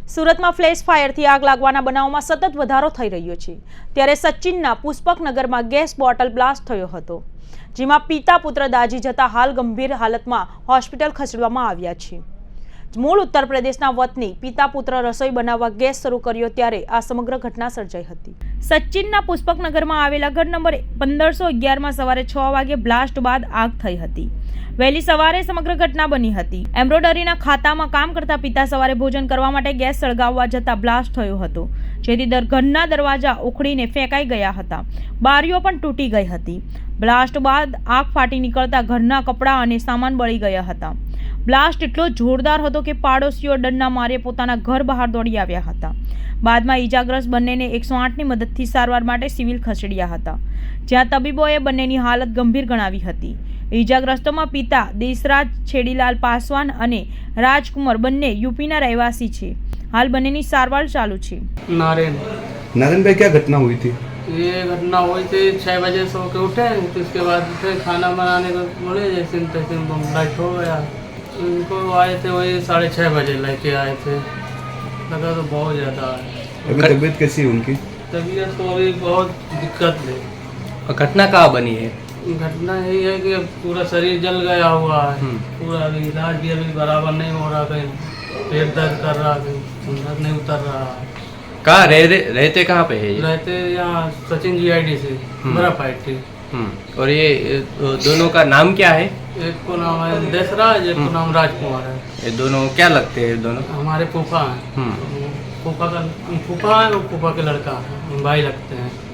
સુરતમાં ફ્લેશ ફાયરથી આગ લાગવાના બનાવમાં સતત વધારો થઈ રહ્યો છે ત્યારે સચિનના પુષ્પકનગરમાં ગેસ બોટલ બ્લાસ્ટ થયો હતો, જેમાં પિતા પુત્ર દાઝી જતા હાલ ગંભીર હાલતમાં હોસ્પિટલ ખસેડવામાં આવ્યા છે। મૂળ ઉત્તર પ્રદેશના વતની પિતા પુત્ર રસોઈ બનાવવા ગેસ શરૂ કર્યો ત્યારે આ સમગ્ર ઘટના સર્જાઈ હતી। સચિનના પુષ્પકનગરમાં આવેલા ઘર નંબર 1511માં સવારે 6 વાગે બ્લાસ્ટ બાદ આગ થઈ હતી। વહેલી સવારે સમગ્ર ઘટના બની હતી। એમ્બ્રોડરીના ખાતામાં કામ કરતા પિતા સવારે ભોજન કરવા માટે ગેસ સળગાવવા જતા બ્લાસ્ટ થયો હતો, જેથી ઘરના દરવાજા ઉખડીને ફેંકાઈ ગયા હતા। બારીઓ પણ તૂટી ગઈ હતી। બ્લાસ્ટ બાદ આગ ફાટી નીકળતા ઘરના કપડાં અને સામાન બળી ગયા હતા। બ્લાસ્ટ એટલો જોરદાર હતો કે પાડોશીઓ ડરના મારે પોતાના ઘર બહાર દોડી આવ્યા હતા। બાદમાં ઈજાગ્રસ્ત બંનેને 108ની મદદથી સારવાર માટે સિવિલ ખસેડ્યા હતા, જ્યાં તબીબોએ બંનેની હાલત ગંભીર ગણાવી હતી। ઈજાગ્રસ્તોમાં પિતા દેશરાજ છેડીલાલ પાસવાન અને રાજકુમાર બંને यूपीના રહેવાસી છે। हाल બંનેની સારવાર चालू છે। नारायण भाई, क्या घटना हुई थी? ये घटना हुई थी 6 बजे सो के उठे, तो उसके बाद उठे खाना बनाने को बोले, जैसे तैसे बम लाइट हो गया। उनको आए थे वही 6:30 बजे लेके आए थे। लगा तो बहुत ज़्यादा है। अभी तबीयत कैसी है उनकी? तबीयत तो अभी बहुत दिक्कत है। और घटना कहाँ बनी है? घटना यही है कि अब पूरा शरीर जल गया हुआ है। पूरा अभी इलाज भी अभी बराबर नहीं हो रहा, कहीं पेट दर्द कर रहा, कहीं अंदर नहीं उतर रहा। कहाँ रहते कहाँ पे है ये? रहते यहाँ सचिन GID से बड़ा पार्टी। और ये दोनों का नाम क्या है? एक को नाम है देशराज, एक को नाम राजकुमार है। ये दोनों क्या लगते हैं? दोनों हमारे फूफा हैं। फूफा है, वो फूफा के लड़का है, भाई लगते हैं।